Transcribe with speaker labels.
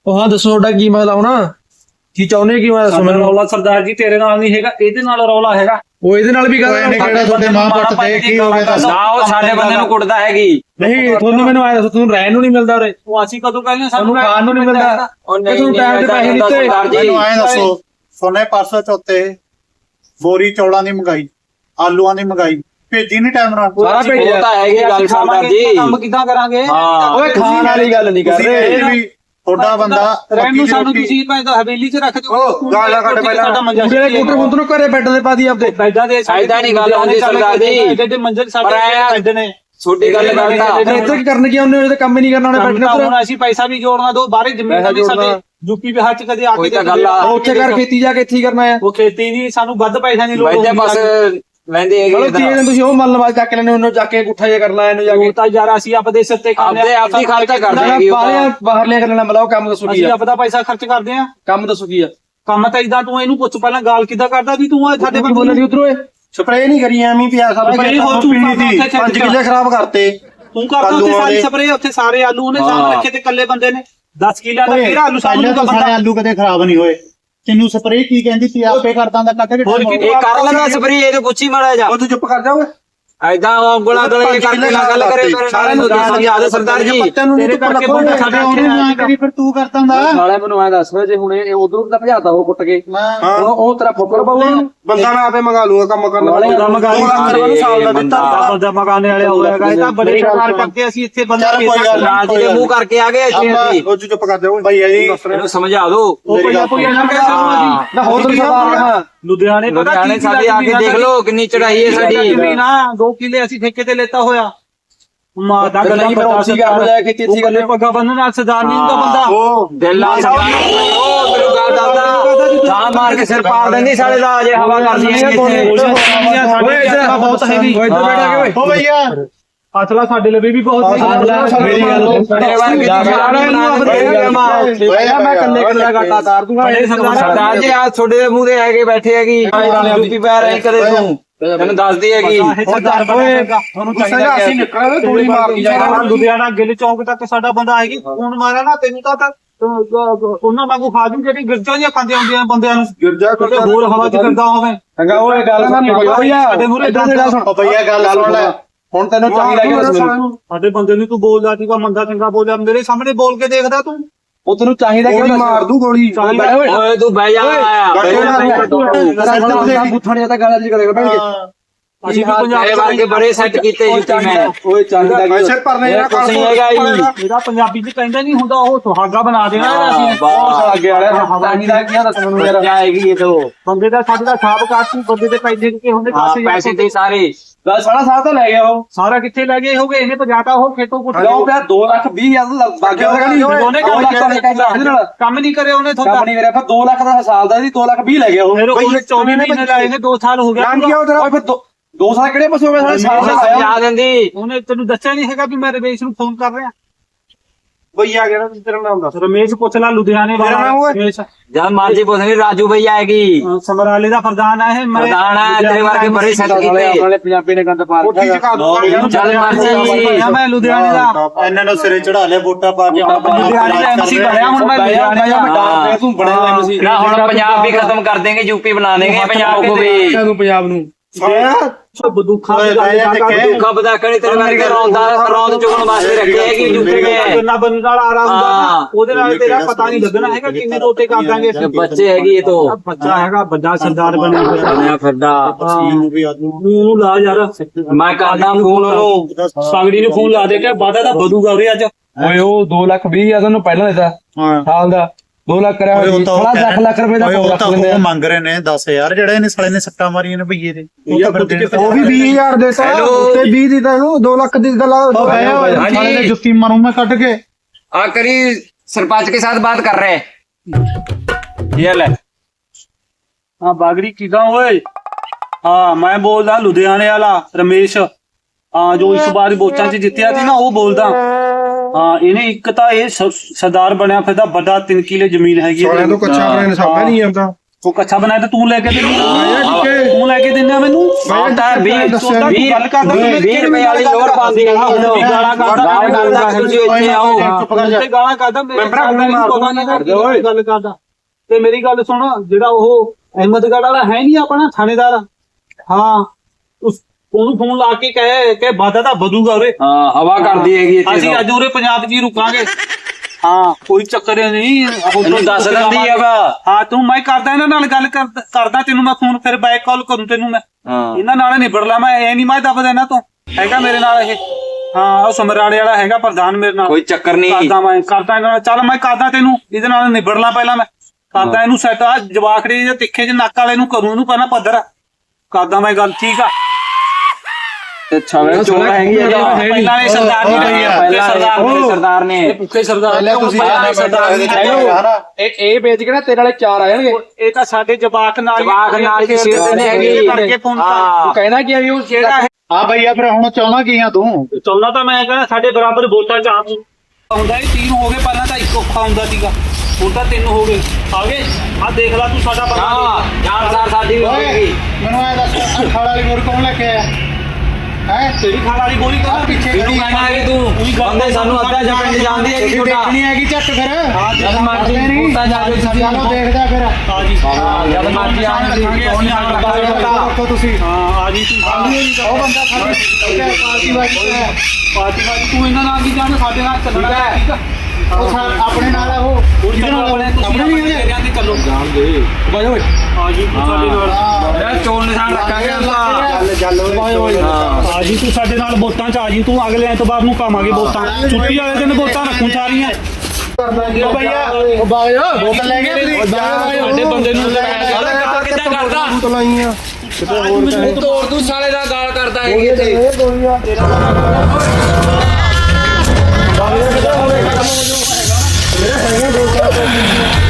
Speaker 1: ਉਹ ਹਾਂ ਦੱਸੋ ਤੁਹਾਡਾ ਕੀ ਮਸਲਾ ਹੋਣਾ, ਕੀ ਚਾਹੁੰਦੇ ਕੀ? ਮੈਂ ਦੱਸੋ ਮੈਨੂੰ।
Speaker 2: ਰੌਲਾ ਸਰਦਾਰ ਜੀ ਤੇਰੇ ਨਾਲ ਨਹੀਂ ਹੈਗਾ, ਇਹਦੇ ਨਾਲ ਰੌਲਾ ਹੈਗਾ।
Speaker 1: ਉਹ ਇਹਦੇ ਨਾਲ ਵੀ ਗੱਲ
Speaker 3: ਕਿਹੜਾ ਤੁਹਾਡੇ ਮਾਂ ਪੁੱਤ ਤੇ ਕੀ ਹੋ ਗਿਆ ਦੱਸ।
Speaker 4: ਨਾ ਉਹ ਸਾਡੇ ਬੰਦੇ ਨੂੰ ਕੁੱਟਦਾ ਹੈਗੀ।
Speaker 1: ਨਹੀਂ ਤੁਹਾਨੂੰ ਮੈਨੂੰ ਆਇਆ ਦੱਸੋ, ਤੁਹਾਨੂੰ ਰਹਿਣ ਨੂੰ ਨਹੀਂ ਮਿਲਦਾ ਉਰੇ?
Speaker 2: ਉਹ ਅਸੀਂ ਕਦੋਂ ਕਹਿੰਦੇ
Speaker 1: ਸਾਨੂੰ ਖਾਣ ਨੂੰ ਨਹੀਂ ਮਿਲਦਾ। ਤੁਹਾਨੂੰ ਟਾਈਮ ਤੇ ਪੈਸੇ ਨਹੀਂ ਦਿੱਤੇ।
Speaker 3: ਮੈਨੂੰ ਐਂ ਦੱਸੋ, ਸੋਨੇ ਪਰਸੋਂ ਚੌਥੇ ਬੋਰੀ ਚੌਲਾਂ ਦੀ ਮੰਗਾਈ, ਆਲੂਆਂ ਦੀ ਮੰਗਾਈ, ਭੇਜੀ ਨਹੀਂ ਟਾਈਮ ਨਾਲ?
Speaker 1: ਸਾਰਾ ਭੇਜਿਆ
Speaker 4: ਤਾਂ ਹੈਗੀ ਗੱਲ ਸਰਦਾਰ ਜੀ।
Speaker 2: ਕੰਮ ਕਿੱਦਾਂ ਕਰਾਂਗੇ?
Speaker 1: ਓਏ ਖਾਣ ਵਾਲੀ ਗੱਲ ਨਹੀਂ ਕਰ ਰਹੇ।
Speaker 3: ਇਹ ਵੀ ਤੁਹਾਡਾ ਬੰਦਾ
Speaker 2: ਰਹਿਣ ਨੂੰ ਸਾਨੂੰ ਤੁਸੀਂ ਭਾਵੇਂ ਹਵੇਲੀ 'ਚ ਰੱਖ ਦਿਓ।
Speaker 3: ਗਾਲਾਂ ਕੱਢ ਪਹਿਲਾਂ।
Speaker 2: ਸਾਡਾ ਮੰਜਾ
Speaker 1: ਜਿਹੜੇ ਕੁੱਟਰ ਮੁੰਡ ਨੂੰ ਘਰੇ ਬੈੱਡ ਦੇ ਪਾਦੀ ਆਪਦੇ।
Speaker 2: ਬੈਡਾਂ ਦੇ
Speaker 4: ਐਦਾਂ ਨਹੀਂ ਗੱਲ ਹੁੰਦੀ ਸਰਦਾਰ ਜੀ।
Speaker 2: ਜਿਹੜੇ ਮੰਜ਼ਲ ਸਾਡੇ ਬੈੱਡ ਨੇ।
Speaker 4: ਛੋਟੀ ਗੱਲ ਕਰਦਾ।
Speaker 1: ਫਿਰ ਇੱਥੇ ਕੀ ਕਰਨ ਕੀ ਆਉਂਦੇ ਹੋ? ਤੇ ਕੰਮ ਹੀ ਨਹੀਂ ਕਰਨਾ ਉਹਨੇ ਬੈਠ ਕੇ।
Speaker 2: ਹੁਣ ਅਸੀਂ ਪੈਸਾ ਵੀ ਜੋੜਨਾ ਦੋ, ਬਾਹਰੇ ਜ਼ਮੀਨ ਵੀ ਸਾਡੇ ਯੂਪੀ ਬਿਹਾਰ 'ਚ ਕਦੇ ਆ ਕੇ
Speaker 1: ਉੱਥੇ ਕਰ ਖੇਤੀ ਜਾ ਕੇ ਇੱਥੇ ਕਰਨਾ ਆ।
Speaker 2: ਉਹ ਖੇਤੀ ਨਹੀਂ, ਸਾਨੂੰ ਵੱਧ ਪੈਸਾ ਨਹੀਂ ਲੋੜ।
Speaker 4: ਵੈਸੇ ਬਸ ਲੈਂਦੇ
Speaker 1: ਚਲੋ
Speaker 4: ਹੈਗੇ
Speaker 1: ਤੀਏ ਤੁਸੀਂ ਉਹ ਮੱਲ ਨਵਾਜ਼ ਚੱਕ ਲੈਣੇ, ਉਹਨੂੰ ਚੱਕ ਕੇ ਗੁੱਠਾ ਜਿਹਾ ਕਰਨਾ ਇਹਨੂੰ ਜਾ ਕੇ।
Speaker 2: ਤਾਂ ਯਾਰ ਅਸੀਂ ਆਪਦੇ ਸਿਰ ਤੇ
Speaker 4: ਆਪਦੇ ਆਪਦੀ ਖਰਚਾ ਕਰਦੇ ਹੈਗੇ।
Speaker 1: ਬਾਹਰਲੇ ਗੱਲਾਂ ਮਲਾਓ, ਕੰਮ ਦੱਸੋ ਕੀ
Speaker 2: ਅਸੀਂ
Speaker 1: ਆ?
Speaker 2: ਆਪਦਾ ਪੈਸਾ ਖਰਚ ਕਰਦੇ ਆ।
Speaker 1: ਕੰਮ ਦੱਸੋ ਕੀ ਆ?
Speaker 2: ਕੰਮ ਤਾਂ ਇਦਾਂ ਤੂੰ ਇਹਨੂੰ ਪੁੱਛ ਪਹਿਲਾਂ ਗਾਲ ਕਿੱਦਾਂ ਕਰਦਾ ਵੀ ਤੂੰ ਸਾਡੇ
Speaker 1: ਕੀ ਬੋਲਦੀ ਉਧਰੋਂ?
Speaker 3: ਸਪਰੇਅ ਨਹੀਂ ਕਰੀ, ਐਵੇਂ ਪਿਆ ਸਭ
Speaker 2: ਸਪਰੇਅ ਹੋ ਚੁੱਕੀ
Speaker 3: ਪੀਣੀ ਸੀ, 5 ਕਿੱਲੇ ਖਰਾਬ ਕਰਤੇ।
Speaker 2: ਤੂੰ ਕਰਦਾ ਉੱਥੇ ਸਾਰੀ ਸਪਰੇਅ, ਉੱਥੇ ਸਾਰੇ ਆਲੂ ਉਹਨੇ ਸਾਹਮਣੇ ਰੱਖੇ ਤੇ ਇਕੱਲੇ ਬੰਦੇ ਨੇ 10 ਕਿੱਲਿਆਂ ਦਾ ਕਿਹੜਾ ਆਲੂ ਸਾਹਮਣੇ ਦਾ ਬੰਦਾ।
Speaker 3: ਆਲੂ ਕਦੇ ਖਰਾਬ ਨਹੀਂ ਹੋਏ। ਤੈਨੂੰ ਸਪਰੇਅ ਕੀ ਕਹਿੰਦੀ ਸੀ? ਆਪੇ ਕਰਦਾ ਦਾ ਕੱਟ ਕੇ
Speaker 4: ਇਹ ਕਰ ਲੈਂਦਾ ਸਪਰੀ, ਇਹ ਤਾਂ ਪੁੱਛੀ ਮਾੜਾ ਜਾ।
Speaker 3: ਉਹ ਤੂੰ ਚੁੱਪ ਕਰ ਜਾ ਓਏ।
Speaker 4: ਐਦਾਂ ਉਂਗਲਾਂ ਗਲੇ ਕਰਕੇ ਨਾ ਗੱਲ ਕਰੇ ਮੇਰੇ ਸਾਰਿਆਂ ਨੂੰ ਸਮਝਾ ਦੇ ਸਰਦਾਰ ਜੀ।
Speaker 3: ਤੈਨੂੰ ਨਹੀਂ ਕਰਕੇ ਬੰਦਾ ਸਾਡੇ ਉਹਨੂੰ ਨਾ ਕਰੀ, ਫਿਰ ਤੂੰ ਕਰਦਾ ਹੁੰਦਾ।
Speaker 1: ਸਾਲੇ ਮੈਨੂੰ ਐ ਦੱਸ ਜੇ ਹੁਣ ਇਹ ਉਧਰੋਂ ਤਾਂ ਭਜਾਤਾ ਉਹ ਕੁੱਟ ਕੇ, ਉਹ ਤੇਰਾ ਫੁੱਟਰ ਪਾਉਣਾ
Speaker 3: ਬੰਦਾ ਮੈਂ ਆਪੇ ਮੰਗਾ ਲੂੰਗਾ ਕੰਮ ਕਰਨ ਵਾਲੇ।
Speaker 2: ਕੰਮ ਕਰਨ ਸਾਲ ਦਾ ਦਿੱਤਾ ਬੰਦਾ ਮਗਾਨੇ ਵਾਲੇ ਹੋਏਗਾ। ਇਹ ਤਾਂ ਬੜੇ ਸਰਕਾਰ ਕਰਕੇ ਅਸੀਂ ਇੱਥੇ ਬੰਦਾ
Speaker 4: ਰਾਜ ਦੇ ਮੂੰਹ ਕਰਕੇ ਆ ਗਏ ਇੱਥੇ ਅਸੀਂ।
Speaker 3: ਉਹ ਚੁੱਪ ਕਰ ਜਾ ਓਏ ਭਈਆ ਜੀ।
Speaker 4: ਇਹਨੂੰ ਸਮਝਾ ਦਿਓ।
Speaker 2: ਉਹ ਕੋਈ ਨਾ
Speaker 1: ਨਾ ਹੋਰ ਤਾਂ ਸਰਦਾਰ
Speaker 2: ਲੁਧਿਆਣੇ
Speaker 4: ਲੁਧਿਆਣੇ ਸਾਡੇ ਆ ਕੇ ਦੇਖ ਲਓ ਕਿੰਨੀ ਚੜਾਈ ਹੈ ਸਾਡੀ।
Speaker 2: ਜ਼ਮੀਨ ਆ 2 ਕਿੱਲੇ ਅਸੀਂ ਠੇਕੇ ਤੇ ਲੈਤਾ ਹੋਇਆ। ਮਾਂ ਦਾ
Speaker 1: ਗੱਲਾਂ
Speaker 2: ਗੱਲਾਂ
Speaker 1: ਸੀ ਕਰ ਜਾਏ ਖੇਤੀ ਇੱਥੇ
Speaker 2: ਗੱਲੇ ਪੱਗਾ ਬੰਨਣ ਨਾਲ ਸਰਦਾਰ ਨਹੀਂ ਹੁੰਦਾ ਬੰਦਾ।
Speaker 3: ਉਹ
Speaker 4: ਦਿਲ ਨਾਲ ਸਰਦਾਰ ਉਹ ਮੈਨੂੰ ਗੱਲ ਦੱਸਦਾ ਛਾਲ ਮਾਰ ਕੇ ਸਿਰ ਪਾੜ ਦਿੰਦੀ ਸਾਲੇ ਦਾ ਅਜੇ ਹਵਾ ਕਰਦੀ ਹੈ ਇੱਥੇ।
Speaker 2: ਓਏ ਇੱਧਰ ਬਹੁਤ ਹੈਵੀ।
Speaker 1: ਓਏ ਇੱਧਰ ਬੈਠ ਕੇ ਓਏ।
Speaker 3: ਓ ਭਈਆ
Speaker 2: ਅਸਲਾ ਸਾਡੇ ਲਈ ਵੀ ਬਹੁਤ ਹੈਗੀ।
Speaker 1: ਮੇਰੀ ਗੱਲ
Speaker 4: ਤੇਰੇ ਵਰਗੇ
Speaker 1: ਮੈਂ ਕੱਲੇ ਕੱਲਾ ਘਾਟਾ ਤਾਰ ਦੂੰਗਾ।
Speaker 4: ਸਰਦਾਰ ਜੀ ਆ ਤੁਹਾਡੇ ਮੂੰਹ ਤੇ ਹੈਗੇ ਬੈਠੇ ਹੈਗੀ ਯੂਪੀ ਪੈਰ ਐ ਕਦੇ ਤੂੰ ਤੈਨੂੰ ਦੱਸਦੀ ਹੈਗੀ।
Speaker 2: ਤੁਹਾਨੂੰ ਚਾਹੀਦਾ ਅਸੀਂ ਨਿਕਲਾਂਗੇ ਗੋਲੀ ਮਾਰ ਕੇ ਜਾਣਾ। ਲੁਧਿਆਣਾ ਗਿੱਲ ਚੌਂਕ ਤੱਕ ਸਾਡਾ ਬੰਦਾ ਹੈਗੀ। ਹੁਣ ਮਾਰਿਆ ਨਾ ਤੈਨੂੰ ਤਾਂ ਉਹਨਾਂ ਵਾਂਗੂ ਖਾ ਦੂੰ ਜਿਹੜੀ ਗਿਰਜਾਂ ਜਿਹੀਆਂ ਖਾਂਦੇ ਹੁੰਦੀਆਂ ਬੰਦਿਆਂ ਨੂੰ।
Speaker 3: ਗਿਰਜਾ
Speaker 2: ਕਿਤੇ ਹੋਰ ਹਵਾ 'ਚ ਫਿਰਦਾ ਹੋਵੇ।
Speaker 1: ਚੰਗਾ ਓਏ ਗੱਲ ਨਾ ਭਈਆ
Speaker 2: ਸਾਡੇ ਮੂਹਰੇ
Speaker 1: ਇੱਧਰ ਦੇ ਗੱਲ ਸੁਣ।
Speaker 3: ਓ ਭਈਆ ਗੱਲ ਸੁਣ ਲੈ।
Speaker 1: ਹੁਣ ਤੈਨੂੰ ਚੰਗੀ ਲੱਗੀ ਦੱਸ ਮੈਨੂੰ।
Speaker 2: ਸਾਡੇ ਬੰਦੇ ਨੂੰ ਤੂੰ ਬੋਲਦਾ ਸੀਗਾ ਮੰਦਾ ਚੰਗਾ ਬੋਲਿਆ, ਮੇਰੇ ਸਾਹਮਣੇ ਬੋਲ ਕੇ ਦੇਖਦਾ ਤੂੰ।
Speaker 1: ਉਹ ਤੈਨੂੰ ਚਾਹੀਦਾ ਕਿ ਮਾਰ ਦੂੰ ਗੋਲੀ।
Speaker 4: ਓਏ ਤੂੰ ਬਹਿ ਜਾ
Speaker 1: ਬੁੱਥਣ ਜਾਂ ਤਾਂ ਗਾਲਾਂ ਜੀ ਕਰੇਗਾ ਬੈਠ ਕੇ।
Speaker 2: ਅਸੀਂ ਵੀ
Speaker 4: ਤੇਰੇ ਵਰਗੇ ਬੜੇ ਸੈੱਟ ਕੀਤੇ ਯੂਪੀ ਮੈਂ।
Speaker 1: ਓਏ ਚਾਹੀਦਾ
Speaker 3: ਪੈਸੇ ਭਰਨੇ ਨਾ
Speaker 4: ਕੁਛ ਨਹੀਂ ਹੈਗਾ ਜੀ।
Speaker 2: ਇਹਦਾ ਪੰਜਾਬੀ 'ਚ ਕਹਿੰਦਾ ਨਹੀਂ ਹੁੰਦਾ, ਉਹ ਸੁਹਾਗਾ ਬਣਾ ਦੇਣਾ ਅਸੀਂ।
Speaker 1: ਅੱਗੇ ਵਾਲਾ ਚਾਹੀਦਾ ਕੀ ਦੱਸ ਮੈਨੂੰ ਯਾਰ।
Speaker 4: ਜਾਏਗੀ ਇਹ ਤੋਂ
Speaker 2: ਬੰਦੇ ਦਾ ਸਾਡੇ ਦਾ ਸਾਬ ਕਾਟੂ ਬੰਦੇ ਦੇ ਪੈਸੇ ਕਿ ਹੁੰਦੇ
Speaker 4: ਪੈਸੇ ਤੇ ਸਾਰੇ
Speaker 1: ਬਸ ਸਾਰਾ ਸਾਹ ਤਾਂ ਲੈ ਗਿਆ ਉਹ।
Speaker 2: ਸਾਰਾ ਕਿੱਥੇ ਲੈ ਗਏ ਹੋਗੇ? ਇਹਨੇ ਭਜਾਤਾ ਉਹ ਖੇਤੋਂ ਕੁੱਟ
Speaker 1: ਲਓ ਪਿਆ 2,20,000 ਬਾਗਿਆ ਹੋਗਾ ਨਹੀਂ। 2 ਲੱਖ ਦਾ ਨਿਕਲਦਾ
Speaker 2: ਕੰਮ ਨਹੀਂ ਕਰੇ ਉਹਨੇ
Speaker 1: ਕੰਮ
Speaker 2: ਤੁਹਾਡਾ।
Speaker 1: ਨਹੀਂ ਮੇਰਾ। ਫਿਰ 2 ਲੱਖ ਦਾ ਸਾਲ ਦਾ ਸੀ, 2,20,000 ਲੈ ਗਿਆ ਉਹ।
Speaker 2: ਫਿਰ ਉਹਨੇ 24 ਮਹੀਨੇ ਲਾਏ ਨੇ, 2 ਸਾਲ ਹੋ ਗਿਆ।
Speaker 1: ਓਏ ਫਿਰ 2 ਸਾਲ ਕਿਹੜੇ ਪਾਸੇ ਹੋ ਗਏ? ਸਾਰੇ ਸਾਲ ਦਾ ਆਇਆ।
Speaker 4: ਸਮਝਾ ਦਿੰਦੀ।
Speaker 2: ਉਹਨੇ ਤੈਨੂੰ ਦੱਸਿਆ ਨਹੀਂ ਹੈਗਾ ਵੀ ਮੈਂ ਰਮੇਸ਼ ਨੂੰ ਫੋਨ ਕਰ ਰਿਹਾ।
Speaker 3: ਭਈਆ ਕਿਹੜਾ ਤੇਰਾ ਨਾਮ ਦੱਸ।
Speaker 2: ਰਮੇਸ਼ ਪੁੱਛ ਲਾ ਲੁਧਿਆਣੇ ਵਾਲਾ ਰਮੇਸ਼।
Speaker 4: ਜਦ ਮਰਜੀ ਪੁੱਛਣੀ ਰਾਜੂ ਭਈ ਆਏਗੀ।
Speaker 2: ਸਮਰਾਲੇ ਦਾ ਪ੍ਰਧਾਨ ਹੈ ਇਹ।
Speaker 4: ਪ੍ਰਧਾਨ ਹੈ ਤੇਰੇ ਵਰਗੇ ਬੜੇ ਸੈੱਟ ਕੀਤੇ।
Speaker 1: ਆਪਣੇ ਪੰਜਾਬੀ ਨੇ ਗੰਦ ਪਾ
Speaker 3: ਕੋਠੀ ਚ ਘਾ ਦੂੰਗਾ।
Speaker 4: ਚੱਲ ਮਰਜੀ
Speaker 2: ਮੈਂ ਲੁਧਿਆਣੇ ਦਾ
Speaker 3: ਇਹਨਾਂ ਨੂੰ ਸਿਰੇ ਚੜਾ ਲਿਆ, ਵੋਟਾਂ ਪਾ ਕੇ
Speaker 2: ਲੁਧਿਆਣੇ ਦਾ ਐਮਸੀ ਬਣਿਆ। ਹੁਣ ਮੈਂ ਲੁਧਿਆਣੇ ਦਾ
Speaker 1: ਤੂੰ ਬਣਿਆ ਐਮਸੀ।
Speaker 4: ਨਾ ਹੁਣ ਪੰਜਾਬ ਵੀ ਖਤਮ ਕਰ ਦੇਂਗੇ, ਯੂਪੀ ਬਣਾ ਦੇਂਗੇ ਪੰਜਾਬ को भी।
Speaker 1: ਤੂੰ ਪੰਜਾਬ ਨੂੰ
Speaker 2: ਬਦੂਖਾ
Speaker 4: ਦੁੱਖਾ ਬਦਾ ਕਰੇ ਤੇਰੇ ਵਰਗੇ ਰੌਂਦ ਚੁਗਣ ਵਾਸਤੇ ਰੱਖੇ ਹੈਗੀ ਯੂਪੀ ਨੇ।
Speaker 2: ਕਿੰਨਾ ਬੰਦੇ ਨਾਲ ਆ ਰਹਾ ਹੁੰਦਾ, ਉਹਦੇ ਨਾਲ ਤੇਰਾ ਪਤਾ ਨਹੀਂ ਲੱਗਣਾ ਹੈਗਾ ਕਿੰਨੇ ਰੋਟੇ ਕਰ ਦਾਂਗੇ।
Speaker 4: ਬੱਚੇ ਹੈਗੀ ਇਹ ਤੋਂ
Speaker 2: ਬੱਚਾ ਹੈਗਾ ਵੱਡਾ ਸਰਦਾਰ ਬਣਿਆ ਹੋਇਆ।
Speaker 4: ਬਣਿਆ ਫਿਰਦਾ।
Speaker 2: ਨੂੰ ਲਾ ਯਾਰ,
Speaker 4: ਮੈਂ ਕਰਦਾ ਫੋਨ ਉਹਨੂੰ।
Speaker 2: ਪਗੜੀ ਨੂੰ ਫੋਨ ਲਾ ਦੇ ਕੇ ਵਾਦਾ ਤਾਂ ਵਧੂਗਾ ਉਹਦੇ ਅੱਜ।
Speaker 1: ਓਏ ਉਹ 2,20,000 ਤੁਹਾਨੂੰ ਪਹਿਲਾਂ ਦਿੱਤਾ ਸਾਲ ਦਾ। 2 ਲੱਖ ਕਰਿਆ ਹੋਇਆ 10 ਲੱਖ ਰੁਪਏ ਦਾ
Speaker 3: ਉਹ ਤਾਂ ਉਹ ਮੰਗ ਰਹੇ ਨੇ 10,000 ਜਿਹੜੇ ਇਹਨੇ ਸਾਲੇ ਨੇ ਸੱਟਾਂ ਮਾਰੀਆਂ ਨੇ ਭਈਏ ਦੇ।
Speaker 1: ਉਹ ਵੀ 20,000 ਦੇਤਾ ਤੇ 20 ਦਿੱਤਾ ਇਹਨੂੰ 2 ਲੱਖ ਦੀ ਦਲਾ।
Speaker 3: ਸਾਲੇ ਨੇ ਜੁੱਤੀ ਮਾਰੂ ਮੈਂ ਕੱਢ ਕੇ।
Speaker 4: आखिरी सरपंच के साथ बात कर रहे हैं। ये ले।
Speaker 2: हाँ बागड़ी किदा ओए। हाँ मैं बोल रहा लुधियाने वाला रमेश। हाँ जो इस बार वोटां च जित्तिया थी ना वो बोलदा। हाँ इन्हें एक तो ये सरदार बनया फिरदा बड़ा 3 किले जमीन हैगी।
Speaker 3: तो कच्चा अपने सामने नहीं आता।
Speaker 2: ਉਹ ਕੱਛਾ ਬਣਾਇਆ ਤੇ ਤੂੰ ਲੈ ਕੇ ਦਿੰਦੀ ਤੂੰ ਲੈ ਕੇ ਦਿੰਦਾ ਮੈਨੂੰ
Speaker 4: ਤਾਂ 20
Speaker 2: ਗੱਲ ਕਰਦਾ
Speaker 4: 20 ਰੁਪਏ ਵਾਲੀ ਲੋੜ ਪਾਉਂਦੀ ਹੈ
Speaker 2: ਗਾਲਾਂ ਕਰਦਾ
Speaker 4: ਤੁਸੀਂ ਇੱਥੇ ਆਓ
Speaker 3: ਚੁੱਪ ਕਰ ਜਾ
Speaker 2: ਤੇ ਗਾਲਾਂ ਕਰਦਾ ਮੇਰੇ ਗੱਲ ਕਰਦਾ ਤੇ ਮੇਰੀ ਗੱਲ ਸੁਣ ਜਿਹੜਾ ਉਹ ਅਹਿਮਦਗੜ੍ਹ ਵਾਲਾ ਹੈ ਨਹੀਂ ਆਪਣਾ ਥਾਣੇਦਾਰ ਹਾਂ ਉਹਨੂੰ ਫੋਨ ਲਾ ਕੇ ਕਹੇ ਕਿ ਵਾਦਾ ਤਾਂ ਵਧੂਗਾ ਉਰੇ
Speaker 4: ਹਾਂ ਹਵਾ ਕਰਦੀ ਹੈਗੀ ਇੱਥੇ
Speaker 2: ਅਸੀਂ ਅੱਜ ਉਰੇ ਪੰਜਾਬ 'ਚ ਹੀ ਰੁਕਾਂਗੇ ਹਾਂ ਕੋਈ ਚੱਕਰ ਨਹੀਂ
Speaker 4: ਤੈਨੂੰ ਦੱਸ ਦਿੰਦੀ ਹੈਗਾ
Speaker 2: ਹਾਂ ਤੂੰ ਮੈਂ ਕਰਦਾ ਇਹਨਾਂ ਨਾਲ ਗੱਲ ਕਰਦਾ ਤੈਨੂੰ ਮੈਂ ਫੋਨ ਫਿਰ ਬੈਕ ਕਾਲ ਕਰੂੰ ਤੈਨੂੰ ਮੈਂ
Speaker 4: ਹਾਂ
Speaker 2: ਇਹਨਾਂ ਨਾਲ ਨਿਬੜ ਲਾ ਮੈਂ ਇਹ ਨਹੀਂ ਮੈਂ ਦੱਬਦਾ ਇਹਨਾਂ ਤੋਂ ਹੈਗਾ ਮੇਰੇ ਨਾਲ ਇਹ ਹਾਂ ਉਹ ਸਮਰਾੜੇ ਵਾਲਾ ਹੈਗਾ ਪ੍ਰਧਾਨ ਮੇਰੇ ਨਾਲ
Speaker 4: ਕੋਈ ਚੱਕਰ ਨਹੀਂ
Speaker 2: ਕਰਦਾ ਮੈਂ ਕਰਦਾ ਇਹਨਾਂ ਨਾਲ ਚੱਲ ਮੈਂ ਕਰਦਾ ਤੈਨੂੰ ਇਹਦੇ ਨਾਲ ਨਿਬੜ ਲਾ ਪਹਿਲਾਂ ਮੈਂ ਕਰਦਾ ਇਹਨੂੰ ਸੈੱਟ ਆ ਜਵਾਖੜੀ ਜਾਂ ਤਿੱਖੇ ਚ ਨੱਕ ਵਾਲੇ ਨੂੰ ਕਰੂੰ ਇਹਨੂੰ ਪਹਿਲਾਂ ਪੱਧਰ ਕਰਦਾ ਮੈਂ ਗੱਲ ਠੀਕ ਆ
Speaker 4: ਤੇ ਛਾਵੇਂ ਚੋਲਾ ਹੈਗੀ ਆ
Speaker 2: ਪਹਿਲਾਂ ਇਹ ਸਰਦਾਰ ਨਹੀਂ ਰਹੀ
Speaker 4: ਪਹਿਲਾਂ ਸਰਦਾਰ ਨੇ
Speaker 1: ਭੁੱਖੇ ਸਰਦਾਰ
Speaker 3: ਪਹਿਲਾਂ ਤੁਸੀਂ
Speaker 1: ਇਹ ਵੇਚ ਕੇ ਨਾ ਤੇਰੇ ਵਾਲੇ 4 ਆ ਜਾਣਗੇ
Speaker 2: ਇਹ ਤਾਂ ਸਾਡੇ ਜਵਾਕ ਨਾਲ
Speaker 4: ਹੀ ਸਿਰ ਤੇ ਨਹੀਂ ਹੈਗੀ
Speaker 2: ਕਰਕੇ ਫੋਨ
Speaker 1: ਤੂੰ ਕਹਿਣਾ ਕੀ ਆ ਵੀ ਉਹ
Speaker 2: ਜਿਹੜਾ
Speaker 3: ਹਾਂ ਭਈਆ ਫਿਰ ਹੁਣ ਚਾਹੁੰਦਾ ਕੀ ਆ ਤੂੰ
Speaker 2: ਚੱਲਣਾ ਤਾਂ ਮੈਂ ਕਹਿੰਦਾ ਸਾਡੇ ਬਰਾਬਰ ਵੋਟਾਂ ਚ ਆਉਂਦਾ ਹੀ 3 ਹੋ ਗਏ ਪਹਿਲਾਂ ਤਾਂ ਇੱਕ ਔਖਾ ਹੁੰਦਾ ਸੀਗਾ ਹੁਣ ਤਾਂ 3 ਹੋ ਗਏ ਆ ਗਏ ਆ ਦੇਖ ਲੈ ਤੂੰ ਸਾਡਾ ਬੰਦਾ
Speaker 4: ਹਾਂ ਯਾਰ ਸਾਰ ਸਾਡੀ ਵੀ ਹੋਏਗੀ
Speaker 3: ਮੈਨੂੰ ਐ ਦੱਸ ਖਾਲ ਵਾਲੀ ਮੋਰ ਕੌਣ ਲੈ ਕੇ ਆਇਆ ਹੈ
Speaker 2: ਤੇਰੀ ਖਾਣ ਵਾਲੀ ਬੋਲੀ
Speaker 3: ਆ ਪਿੱਛੇ
Speaker 4: ਤੂੰ
Speaker 3: ਖੜੀ
Speaker 4: ਕਹਿਣਾ ਕਿ ਤੂੰ ਬੰਦੇ ਸਾਨੂੰ ਅੱਧਾ ਜਾਂ ਪਿੰਡ ਜਾਂਦੀ ਹੈ ਕਿ ਤੁਹਾਡਾ
Speaker 3: ਦੇਖਣੀ ਹੈਗੀ ਝੱਟ ਫਿਰ
Speaker 4: ਜਦ ਮਰਜੀ ਵੋਟਾਂ ਜਾ ਕੇ ਤੁਸੀਂ
Speaker 3: ਚਲੋ ਦੇਖਦਾ ਫਿਰ
Speaker 2: ਆ ਜੀ
Speaker 4: ਜਦ ਮਰਜੀ ਆਉਣ
Speaker 3: ਰੱਖੋ ਤੁਸੀਂ
Speaker 2: ਹਾਂ ਆ ਜੀ ਤੂੰ
Speaker 3: ਉਹ ਬੰਦਾ ਸਾਡੀ ਪਾਰਟੀ ਵਾਲੀ ਹੈ
Speaker 2: ਪਾਰਟੀ ਵਾਲੀ ਤੂੰ ਇਹਨਾਂ ਨਾਲ ਕੀ ਜਾਣ ਸਾਡੇ ਨਾਲ ਚੱਲਣਾ ਠੀਕ ਆ
Speaker 3: ਉਹ ਆਪਣੇ ਨਾਲ ਆ ਉਹ
Speaker 2: ਜਿਹਦੇ ਨਾਲ ਆਪਣੇ ਨਹੀਂ ਹੈਗੇ ਤੇ ਚੱਲੋ ਜਾਣ ਦੇ ਬਾਈ ਓਏ ਆ ਜੀ ਤੂੰ ਸਾਡੇ ਨਾਲ
Speaker 4: ਮੇਰਾ ਚੋਣ ਨਿਸ਼ਾਨ ਰੱਖਾਂਗੇ ਆਪਾਂ
Speaker 3: ਚੱਲ ਓਏ
Speaker 2: ਆ ਜੀ ਤੂੰ ਸਾਡੇ ਨਾਲ ਵੋਟਾਂ ਚ ਆ ਜੀ ਤੂੰ ਅਗਲੇ ਐਤਵਾਰ ਨੂੰ ਪਾਵਾਂਗੇ ਵੋਟਾਂ ਛੁੱਟੀ ਵਾਲੇ ਦਿਨ ਵੋਟਾਂ ਰੱਖੂ ਸਾਰੀਆਂ
Speaker 3: ਉਹ ਭਈਆ ਉਹ ਬਾਈ ਬੋਤਲ ਲੈ ਗਿਆ
Speaker 2: ਸਾਡੇ ਬੰਦੇ ਨੂੰ
Speaker 4: ਕਿੱਦਾਂ ਕਰਦਾ
Speaker 3: ਤਲਾਈਆਂ
Speaker 4: ਤੋੜ ਤੂੰ ਸਾਲੇ ਦਾ ਗਾਲ ਕਰਦਾ ਹੈਗੀ ਇੱਥੇ
Speaker 3: ਮੇਰੇ